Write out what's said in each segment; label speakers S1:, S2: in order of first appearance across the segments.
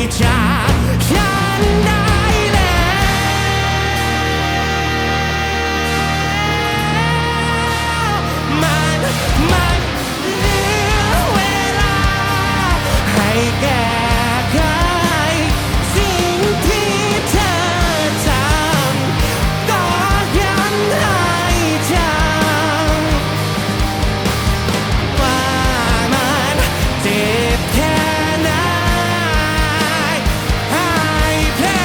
S1: จากฉันได้แล้วมันเหลือเวลาให้แก้ไขสิ่งที่เธอทำก็ยันให้จำว่ามันเจ็บแค่ไหนให้แพ้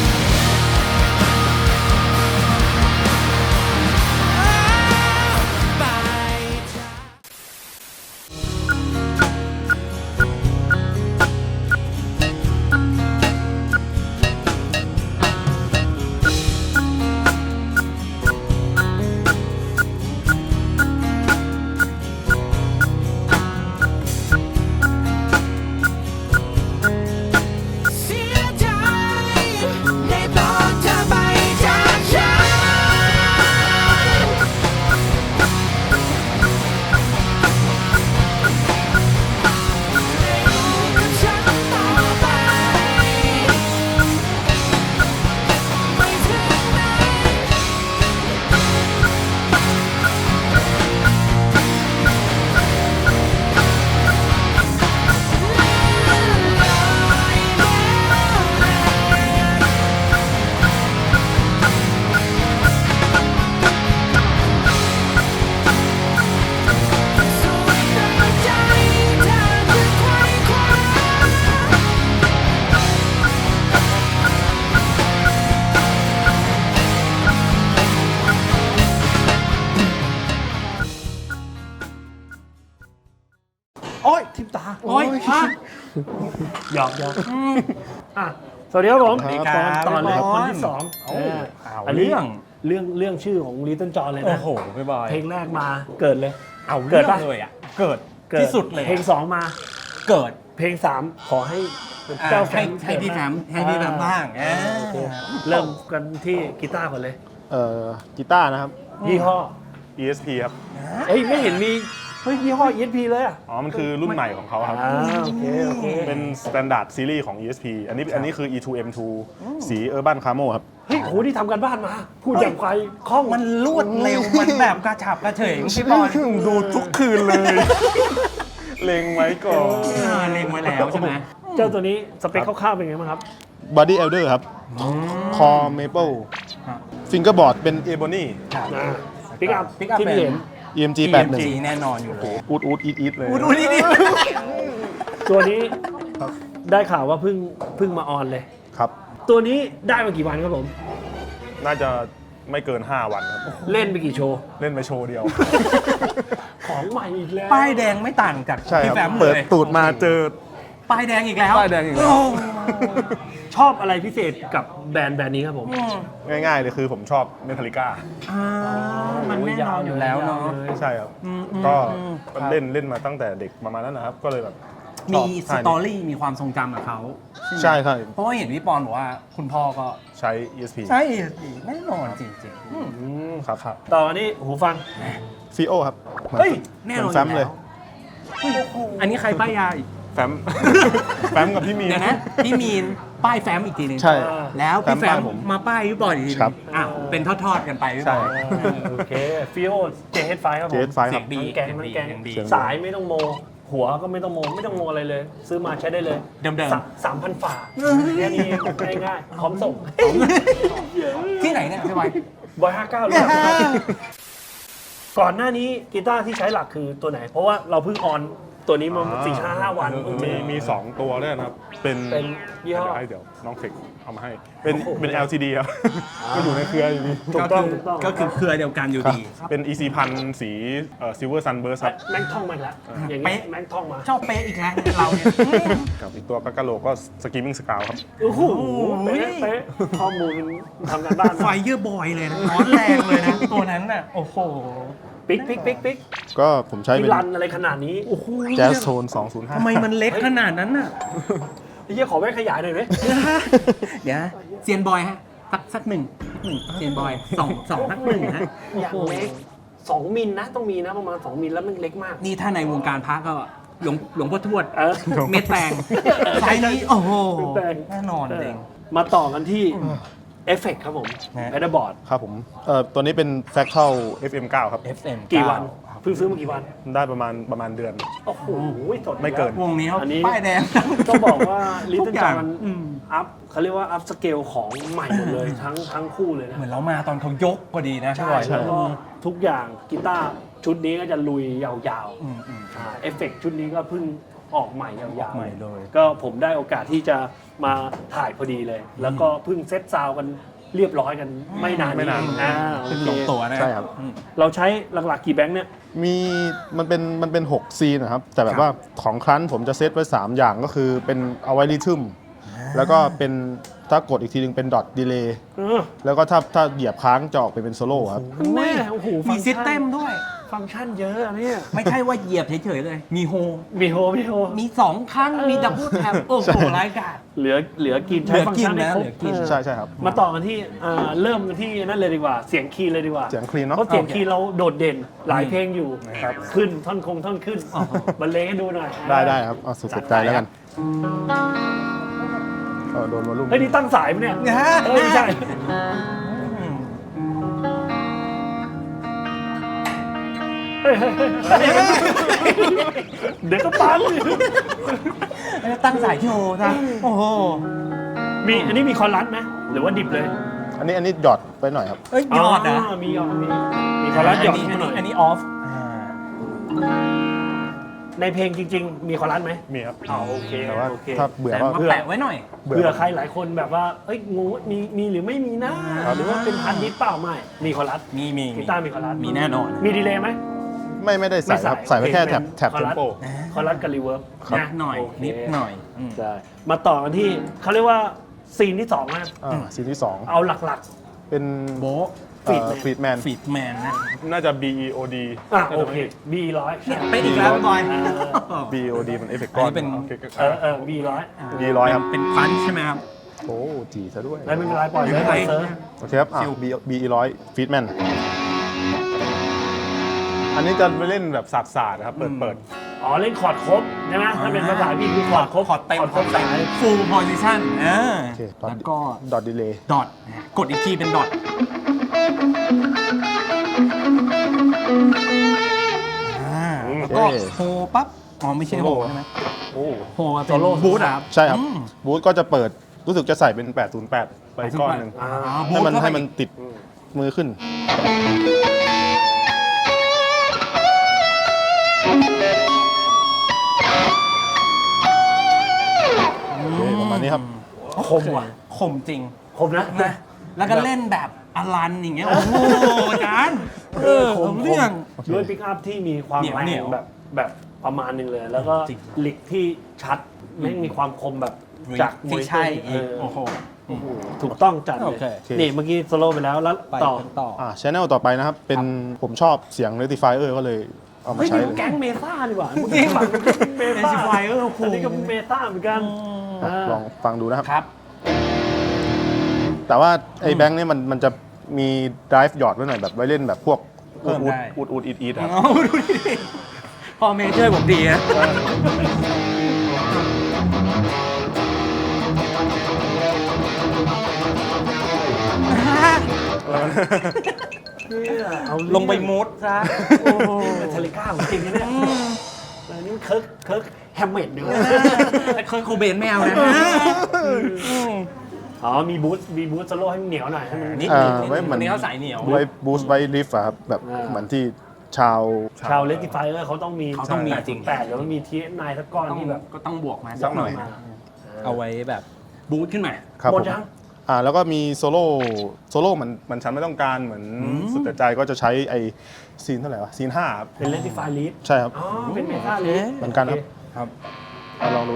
S1: ไปจาก เสียใจในตอนเธอไปจากฉันไม่รู้กับฉันต่อไปไม่ถึงไหนสุดแต่ใจเธอคือไขว่คว้า
S2: โอ้ยทิมตาโอ้ยหยอกอ่ะสวัสดีครับผม
S3: สวัสดีครับ
S2: ตอนเลย
S3: พี่บอล
S2: คนที่สอง อันนี้เรื่องชื่อของลิตเติ้ลจอห์นเลย
S3: โอ้
S2: นะ
S3: โหพี่บอย
S2: เพลงแรกมาเกิดเลย
S3: เอา
S2: เกิ
S3: เกิ
S2: ด
S3: ด
S2: ปะ
S3: เลยอ่ะเกิด
S2: เกิด
S3: ที่สุดเลย
S2: เพลงสองมา
S3: เกิด
S2: เพลงสามขอให้เจ้าแฟน
S3: ให้พี่แฟมให้พี่แฟมบ้าง
S2: โอเคเริ่มกันที่กีตาร์ก่อนเลย
S4: กีตาร์นะครับ
S2: ยี่ห้อ
S4: ESP ครับ
S2: เอ้ยไม่เห็นมีเฮ้ยยี่ห้อ ESP เลยอ่ะ
S4: อ๋อ มันคือรุ่นใหม่ของเขาครับ
S2: โอเคโอเค
S4: เป็น Standard Series ของ ESP อันนี้คือ E2M2 สี Urban Camo ครับ
S2: เฮ้ยโหที่ทำกันบ้านมา พูดอย่างไกลคล่อง
S3: มันรวดเร็วมันแบบกระฉับกระเฉงพี่บอย
S4: ดูทุกคืนเลย เล็งไว้ก่อน
S3: เล็งไว้แล้วใช่ไหม
S2: เจ้าตัวนี้สเปคคร่าวๆเป็นไงบ้างครับ
S4: Body Elder ครับ Core Maple Fingerboard เป็น Ebony
S2: ปิกอัพ
S3: Pick up
S2: ที่พี่เห็น
S4: EMG
S3: จีแน่นอนอยู่แล้ว
S4: 81อูดอีทเลย
S3: ดูนี่ดิ
S2: ตัวนี้ได้ข่าวว่าเพิ่งมาออนเลย
S4: ครับ
S2: ตัวนี้ได้มากี่วันครับผม
S4: น่าจะไม่เกิน 5 วันครับ
S2: เล่นไปกี่โชว์
S4: เล่นไปโชว์เดียว
S2: ของใหม่อีกแล้ว
S3: ป้ายแดงไม่ต่างจาก
S4: ใช่
S3: พี่
S4: ครับ
S3: แฟมเล
S4: เปิด
S3: ย
S4: ตูดมาเจอ
S3: ป้ายแดงอีกแล้ว
S4: ป้ายแดงอีกแล้ว
S3: โ
S2: ชอบอะไรพิเศษกับแบรนด์นี้ครับผม
S4: ง่ายๆเลยคือผมชอบ Metallica
S3: มันแน่นอนอยู่แล้วเนาะ
S4: ใช่ครับ ก็ เล่นมาตั้งแต่เด็กประมาณนั้นนะครับ ก็เลยแบบช
S3: มี
S4: อบ
S3: สตอรี่มีความทรงจำกับเขา
S4: ใช่ใช่
S3: เพราะว่าเห็นพี่ปอนบอกว่าคุณพ่อก็
S4: ใช้ ESP
S3: ใช่แน่นอนจริง
S4: ครับครับ
S2: ต่ออันนี้หูฟัง
S4: ฟีโอครับ
S2: เฮ้ย
S3: ๆ แน่นอน
S4: แฟมเลย
S3: อันนี้ใครป้ายยาอีก
S4: แฟม แฟมกับพี่มีน
S3: เดี๋ยวนะ พี่มีนป้ายแฟมอีกทีหนึง
S4: ใช่
S3: แล้วพี่แฟ
S4: แฟมป้าย
S3: ม
S4: ผม
S3: มาป้ายพี่บอยอีกทีหนึง
S4: ครับ
S3: อ่ะเป็นทอดๆกันไปพี่บ
S4: ใช่
S3: อย
S2: โอเคฟิโอเจเฮดไฟครับผม
S4: JH5
S3: เสี
S4: ค
S3: ย
S4: รับ
S3: งดี
S2: มันแกงมันแกง
S3: เสียงดี
S2: สายไม่ต้องโม หัวก็ไม่ต้องโมอะไรเลย ซื้อมาใช้ได้เลย
S3: เดิม
S2: 3,000 ฝาแค่นี้ง่ายๆพร้อมส่ง
S3: ๆที่ไหนเนี่ยพี่บอย
S2: บอย59เลยก่อนหน้านี้กีตาร์ที่ใช้หลักคือตัวไหน เพราะว่าเราเพิ่งออนตัวนี้มา4-5 วันเพิ่งเจอ
S4: มี2 ตัวด้วยนะครับ เป็น
S2: ยี่ห้อ
S4: เดี๋ยวน้องเทคเอามาให้ เป็น LCD ครับ ก็อยู่ในเครืออยู่นี่
S2: ถูกต้องถูกต้อง
S3: ก็คือเครือเดียวกันอยู่ดี
S4: เป็น EC 1000 สี Silver Sunburst ครับ
S2: แม่งท่องมาอีกแล้วอย่างนี้แม่งท่องมา
S3: ชอบเป๊ะอีกแล้วเราเนี่ย
S4: กับอีกตัวกากาโลก็ Screaming Scout ครับ
S2: โอ้โหเป๊ะข้อมูลทำกันบ้าน
S3: ไฟเยอร์บอยเลยนะร้อนแรงเลยนะตัวนั้นน่ะโอ้โห
S2: ปิ๊ก
S4: ก็ผมใช้
S2: ที่
S4: เป็น
S2: รันอะไรขนาดนี้
S3: โอ้โห
S4: Jazz Tone 205
S3: ทำไมมันเล็กขนาดนั้นน่ะ
S2: ไอ้เหี้ยขอแว่นขยายหน่อยไหม
S3: เดี๋ยวนะเซียนบอยฮะสักหนึ่งเซียนบอยสองสักหนึ่งฮะ
S2: อย่างเล็ก2 มิลนะต้องมีนะประมาณ2 มิลแล้วมันเล็กมาก
S3: นี่ถ้าในวงการพักก็หลวงพ่อทวด
S2: เออ
S3: เม็ดแตงไซส์นี้โอ้โห
S2: เม็ดแตง
S3: แน่นอนเอง
S2: มาต่อกันที่เอฟเฟกครับผม
S3: ฮะ
S2: แพดบอร์ด
S4: ครับผมตัวนี้เป็น Fractal FM9 ครับ
S3: FM
S2: กี่วันเพิ่งซื้อมากี่วัน
S4: ได้ประมาณเดือน
S2: โอ้โหสด
S4: ไม่เกิน
S3: วงนี้เขา
S2: อันนี้
S3: ป้ายแดง
S2: ต้องบอกว่าลิต
S3: ทุ
S2: เติ้
S3: ก
S2: ล
S3: อย่า
S2: จาง มันอัพเขาเรียกว่าอัพสเกลของใหม่หมดเลยทั้งคู่เลยนะ
S3: เหมือนเรามาตอนเขายกพอดีนะ
S2: ใช่
S3: พี่บอย
S2: แล้วก็ทุกอย่างกีตาร์ชุดนี้ก็จะลุยยาว
S3: อืม
S2: ๆเอฟเฟกชุดนี้ก็เพิ่งออกใหม่ยาวๆ
S3: ใหม่เลย
S2: ก็ผมได้โอกาสที่จะมาถ่ายพอดีเลย แล้วก็เพิ่งเซตซาวด์กันเรียบร้อยกันไม่นาน
S4: ไม่นาน
S2: โอ
S3: ขึ้น
S2: เค
S3: ลงตัวนะ
S4: ใช่ครับ
S3: อืม
S2: เราใช้หลักๆกี่แบงค์เนี่ย
S4: มีมันเป็น6ซีนนะครับ แต่แบบว่าของครั้นผมจะเซตไว้ 3 อย่างก็คือเป็นเอาไว้ริทึมแล้วก็เป็นถ้ากดอีกทีนึงเป็นดอทดีเลย์
S2: เออ
S4: แล้วก็ถ้าเหยียบค้างจะออกไปเป็นโซโล่ครับ
S2: แม่โอ้โห
S3: มีซิสเต็มด้วย
S2: ฟังก์ชันเยอะอันเนี้ย
S3: ไม่ใช่ว่าเหยียบเฉยๆเลย มีโฮ
S2: มีโฮ
S3: มี2ครั้งมีดับเบิลแท็บโอ้โหรายการ
S2: เหลือกินใช้ฟังก์ชันให้ครบ
S3: เหลือกิน
S4: ใช่ครับ
S2: มาต่อกันที่เริ่มกันที่นั่นเลยดีกว่า เสียงคีย์เลยดีกว่า
S4: เสียงคลีนเนาะ
S2: เพราะเสียง
S3: โอเค
S2: คีย์เราโดดเด่นหลายเพลงอยู่ขึ้นท่อนขึ้นบรรเลงให้ดูหน่อย
S4: ได้ครับเอาสุดใจแล้วกันโดนวอลลุ่ม
S2: เฮ้ยนี่ตั้งสายปะเนี่ยไม่ใช่เฮ้ยเดี๋ยวก็ปัง
S3: ตั้งสายโชว์ซะโอ้โห
S2: อันนี้มีคอรัสไหมหรือว่าดิบเลย
S4: อันนี้หยอดไปหน่อยครับ
S3: เอ้ยยอดนะ
S2: มีหยอดมีคอรัสหยอด
S3: อันนี้ออฟ
S2: ในเพลงจริง ๆ มีคอรัสไหม
S4: มีครับ
S2: โอเค
S4: แต่ว่า
S2: โอเค
S4: ถ้าเบื่อ
S3: แต่
S4: ก็
S3: มาแปะไว้หน่อย
S2: เผื่อใครหลายคนแบบว่าเอ้ยงูมีหรือไม่มีนะหรือว่าเป็นพันดิสเปล่าไม่มีคอรัส
S3: มี
S2: กีตาร์มีคอรัส
S3: มีแน่นอน
S2: มีดีเลย์ไหม
S4: ไม่ได้ใส่ครับ ใส่ไว้แค่แท็บเทมโป
S2: คอรัสกับรีเวิร์บ
S3: นิดหน่อย
S2: โเค
S3: นิดหน่อย
S2: ใช่มาต่อกันที่เขาเรียกว่าซีนที่สองนะ
S4: ซีนที่
S2: เอาหลัก
S4: 2 เป็น
S3: โบ
S4: ฟรีดแมน
S3: ฟีดแมนนะ
S4: น่าจะ BEOD
S2: โอเค B100
S3: ไปอีกแล้วบอย
S4: BEOD มันเอฟเฟกต์ก้อน
S3: อันนี้เป็น
S4: โอเค
S2: B100
S4: B100 ครับ
S3: เป็นพันใช่ไหมครับ
S4: โอ้จีซะด้วย
S2: ไม่เป็นไรปล่อยเลยปล่อยเซิร์ฟ
S4: โอเคครับBE100 ฟีดแมนอันนี้จะไปเล่นแบบศาสตร์นะครับ เปิด
S2: อ๋อเล่นคอร์ดครบใช่ไหมถ้าเป็นภาษาพี่คือคอร์ดครบ
S3: คอร์ดเต็ม
S2: ครบสาย
S3: ฟูลโพซิชั่น
S4: โอเค
S3: แล้วก็
S4: ดอทดีเลย์
S3: ดอทกดอีกทีเป็นดอทแล้วก็โฮปั๊บอ๋อไม่ใช่โฮใช่ไหม
S4: โอ้
S3: โฮเป็นบูธอะครับ
S4: ใช่ครับ บูธก็จะเปิดรู้สึกจะใส่เป็น 808 ไปก้อนหนึ่ง
S3: บูธ
S4: ให้มันติดมือขึ้นโอเคประมาณนี้ครับ
S3: คมว่ะคมจริง
S2: ครบนะ
S3: นะแล้วก็เล่นแบบอลันอย่างเงี้ย โอ้โหอาจารย์ผมเรื่อง
S2: ด้วยปิกอัพที่มีความ
S3: เหนียว
S2: แร
S3: เหนีย
S2: ง
S3: ว
S2: แบบประมาณหนึ่งเลย แล้วก็
S3: จริง
S2: ลิกที่ชัดแม่งมีความคมแบบจากม
S3: ที่
S2: วย
S3: ใช่
S2: เอ
S3: อีก
S2: อ
S3: โอ้โห
S2: ถูกต้องจัดเล
S3: โอย เค
S2: นี่เมื่อกี้โซโล่ไปแล้วแล้ว
S3: ไป
S2: ต่อ
S3: กันต่อ
S4: ชแนลต่อไปนะครับ เป็นผมชอบเสียง Rectifier ก็เลยเอามา
S2: เฮ้ย
S4: ใช้
S2: นี่
S4: เลย
S2: แก๊งเมซ่าดีกว่า
S3: จริง
S2: เมซ่า
S3: Rectifier โอ้โห
S2: อันนี้ก็เมซ่าเหมือนกัน
S4: ลองฟังดูนะครับ
S3: ครับ
S4: แต่ว่าไอ้แบงค์เนี่ยมันจะมี drive หยอดไว้หน่อยแบบไว้เล่นแบบพวก
S3: เพิ่มได้
S4: อูดอีดครับ
S3: เอาดูดิพ่อเมย์ช่วยผมดีนะ
S2: เอา
S3: ลงไปมูดซะ
S2: โอ้โหเทเลก้าของจริงนะเนี่ยอันนี้เคิร์กแฮมเมดดีกว่า
S3: เคยโคเบนไม่เอานะ
S2: อ๋อมีบูสโซโล่ให้มันเหนียวหน่อยให้มัน
S3: นิด
S4: ไว้เหมือน
S3: นี้เขาใส่เหนียว
S4: ไว้บูสต์ไว้ลิฟต์ครับแบบเหมือนที่ชาว
S2: ชาวเลติไฟเออร์เขาต้องมี
S3: เขาต้องมีจริง
S2: 8หรือว่ามีทีนายสักก้อนที่แบบ
S3: ก็ต้องบวกมา
S4: สักหน่อย
S3: เอาไว้แบบบูทขึ้นมา
S4: ครับ
S2: หม
S4: ผ
S2: ด
S4: ม
S2: ยัง
S4: แล้วก็มีโซโล่มันฉันไม่ต้องการเหมือนสุดแต่ใจก็จะใช้ไอซีนเท่าไหร่วะซีน5ครับ
S2: เป็นเลติไฟลีด
S4: ใช่ครับ
S2: อ๋อเป็นเมทัลลีด
S4: เหมือนกันครับ
S3: ครับ
S4: ลองดู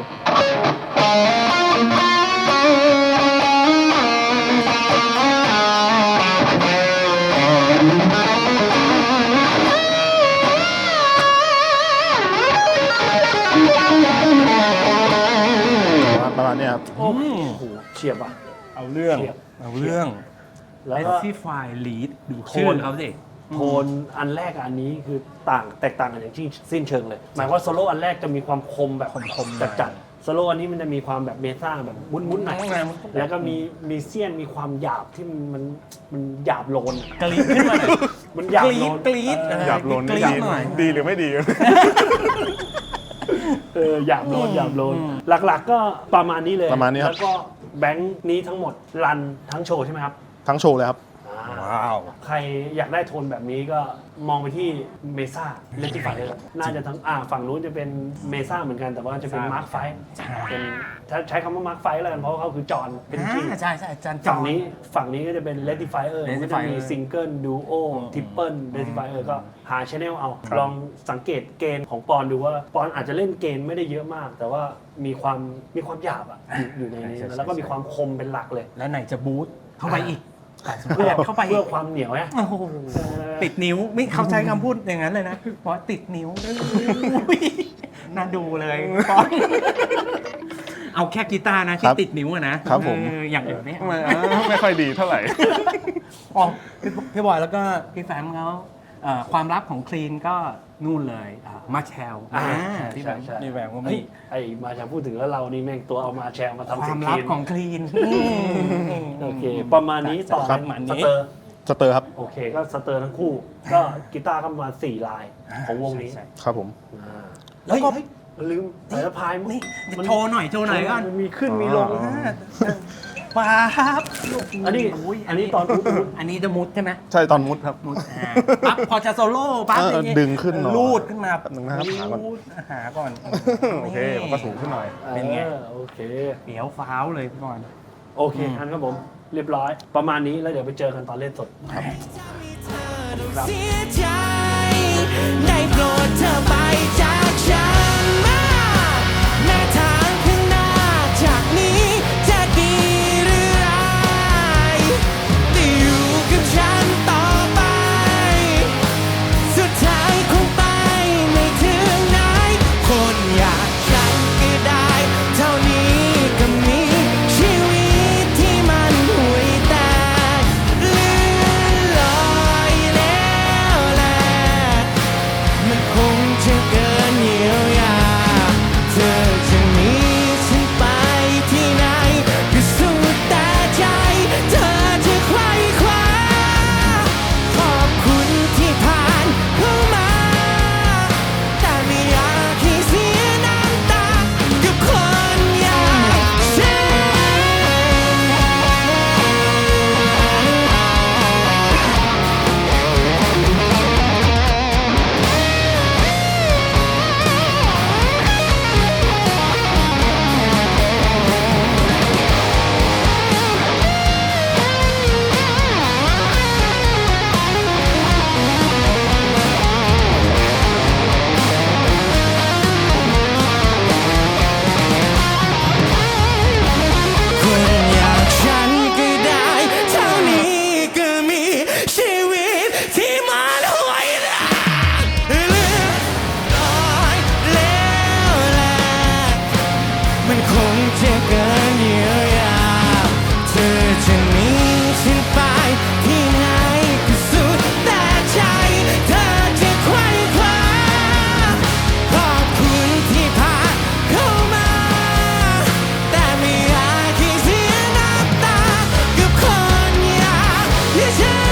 S4: ประมาณนี้ครับ
S2: โอ้โหเฉียบอ่ะ
S3: เอาเรื่อง
S2: เฉียบ
S3: เอาเรื่อง
S2: แล้ว
S3: ไอ
S2: ก็
S3: ซี่ไฟลีดดูชื่อเขาสิ
S2: โทนอันแรกกับอันนี้คือแตกต่างกันอย่างสิ้นเชิงเลย หมายว่าโซโล่อันแรกจะมีความคมแบบคมจัดโซโล่อันนี้มันจะมีความแบบเมซ่าแบบมุ้นๆหน่อยแล้วก็มีเสี้ยนมีความหยาบที่มันหยาบโลน
S3: กรี๊ดขึ้นมาหน่อย
S2: มันหยาบโลน
S3: กรี๊ด
S4: หยาบโลน
S3: กรี๊
S4: ดี
S3: ดหน่อย
S4: ดีหรือไม่ดี
S2: หยาบโลนหลักๆก็ประมาณนี้เลย
S4: ประมาณนี้ครับ
S2: แล้วก็แบงค์นี้ทั้งหมดรันทั้งโชว์ใช่ไหมครับ
S4: ทั้งโชว์เลยครับ
S2: ว้าว ใครอยากได้โทนแบบนี้ก็มองไปที่เมซ่าเลติฟายน่าจะทั้งฝั่งนู้นจะเป็นเมซ่าเหมือนกันแต่ว่าจะเป็นมาร์คไฟเป็นถ้าใช้คำว่ามาร์คไฟแล้วกันเพราะว่าเขาคือจอห์นเป็นจริง
S3: ใช่อาจารย์จอ
S2: ฝั่งนี้ก็จะเป็นเลติฟายก็จะมีซิงเกิลดูโอทิปเปิลเลติฟายก็หาชแนลเอา ลองสังเกตเกณฑ์ของปอนดูว่าปอนอาจจะเล่นเกณฑ์ไม่ได้เยอะมาก แต่ว่ามีความหยาบอยู่ในนี้แล้วก็มีความคมเป็นหลักเลย
S3: แล้วไหนจะบูทเข้าไปอีก
S2: เพื่อ
S3: เข้าไป
S2: เพื่อความเหนียวไง
S3: โอ้โหติดนิ้วไม่เขาใช้คำพูดอย่างนั้นเลยนะเพราะติดนิ้วน่าดูเลยป๊อนเอาแค่กีตาร์นะที่
S4: ครับ
S3: ติดนิ้วอะนะครับ
S4: ผม
S3: อย่างอื่นเนี่ย
S4: ไม่ค่อยดีเท่าไหร่
S3: อ๋อพี่บอยแล้วก็พี่แฟมเขาความลับของคลีนก็นู่นเลยมาแชลพี่แฟม
S2: ใช่
S3: พี่แฟมก็
S2: เฮ้
S3: มี
S2: ยไอ้มาจะพูดถึงแล้วเรานี่แม่งตัวเอามาแชร์มา
S3: ค
S2: ทำ
S3: วา
S2: สิ่
S3: ม
S2: ง
S3: ลับ
S2: คีน
S3: ของคลีน
S2: โอเค ประมาณนี้ต่อ
S3: ครับ
S2: เป็น
S3: ประมาณ
S2: ส
S3: นี้
S2: เตอร์
S4: สเตอร์ครับ
S2: โอเคก็สเตอร์ทั้งคู่ ก็กีตาร์ก็ประมาณ4 ลายของวงนี้
S3: ใช่
S4: ครับผม
S3: แล้วก็
S2: เฮ้ยลืมสายสะพาย
S3: นี่
S2: มัน
S3: โชว์หน่อยก่อน
S2: มันมีขึ้นมีลง
S3: ป๊าบ
S2: อันนี้ตอนอุ๊ด
S3: อันนี้จะมุดใช่ไหม
S4: ใช่ตอนมุดครับ
S3: ปั๊บพอจะโซโล่ปั๊บ
S4: อย่างงี้ดึงขึ้นหน่อย
S3: ลูดขึ้นมา
S4: แป๊บนึงนะครับหาก่อน
S3: ลูดหาก่อน
S4: โอเคมันก็สูงขึ้นหน่อย
S3: เป็นไง
S2: โอเค
S3: เดี๋ยวฟ้าวเลยพี่บอล
S2: โอเคอันครับผมเรียบร้อย ประมาณนี้แล้วเดี๋ยวไปเจอกันตอนเล่นสด
S1: เสียใจได้โปรดเธอไปจากฉันมาแม้ทางข้างหน้าจากนี้จะดีหรือร้ายแต่อยู่กับฉันต่อไป สุดท้ายคงไปไม่ถึงไหน คนอย่างฉันก็ได้เท่านี้ก็มีชีวิตที่มันห่วยแตกเลื่อนลอยแล้วแหละ มันคงจะเกินเยียวยา เธอจะหนีฉันไปที่ไหนก็สุดแต่ใจ เธอจะไขว่คว้าขอบคุณที่ผ่านเข้ามา แต่ไม่อยากให้เสียน้ำตากับคนอย่างฉัน คนอย่างฉันก็ได้เท่านี้ก็มีชีวิตที่มันห่วยแตกเลื่อนลอยแล้วแหละมันคงจะเกินเยียวยา เธอจะหนีฉันไปที่ไหนก็สุดแต่ใจ เธอจะไขว่คว้าขอบคุณที่ผ่านเข้ามา แต่ไม่อยากให้เสียน้ำตากับคนอย่างฉัน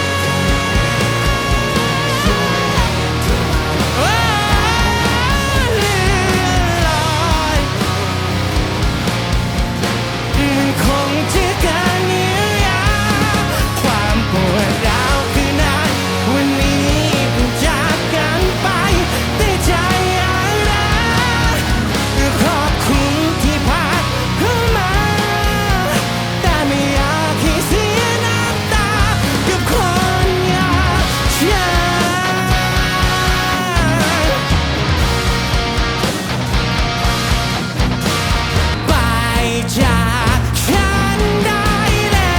S1: โอ้เลื่อนลอยมันคงจะเกินเยียวยา ความปวดร้าวคือนั้นวันนี้เพิ่งจากกันไป แต่ใจยังรักขอบคุณที่ผ่านเข้ามา แต่ไม่อยากให้เสียน้ำตากับคนอย่างฉัน ไปจากฉันได้แล้ว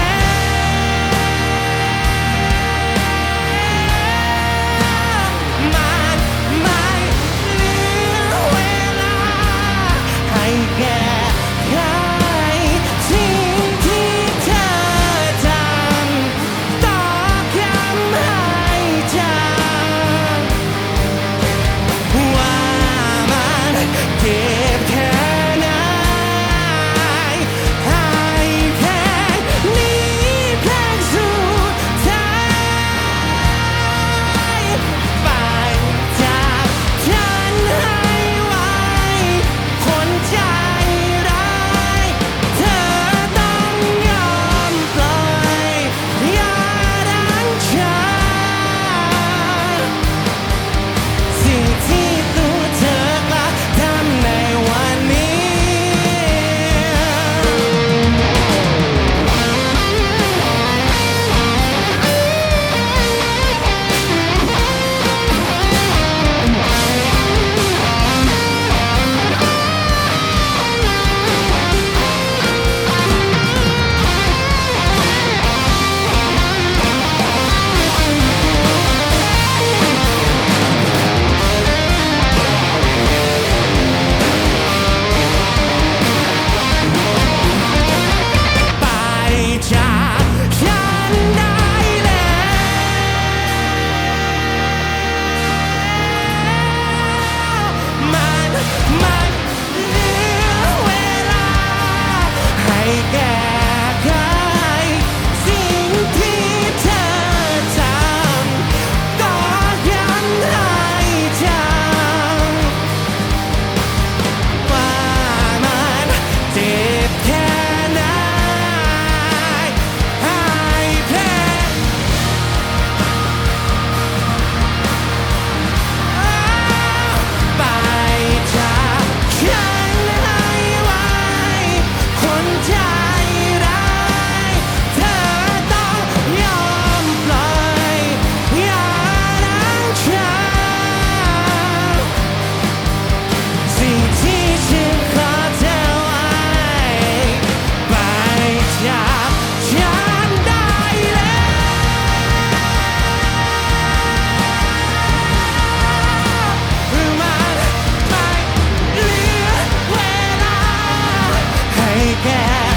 S1: มันไม่เหลือเวลาให้แก้ไขสิ่งที่เธอทำต่อคำให้แก่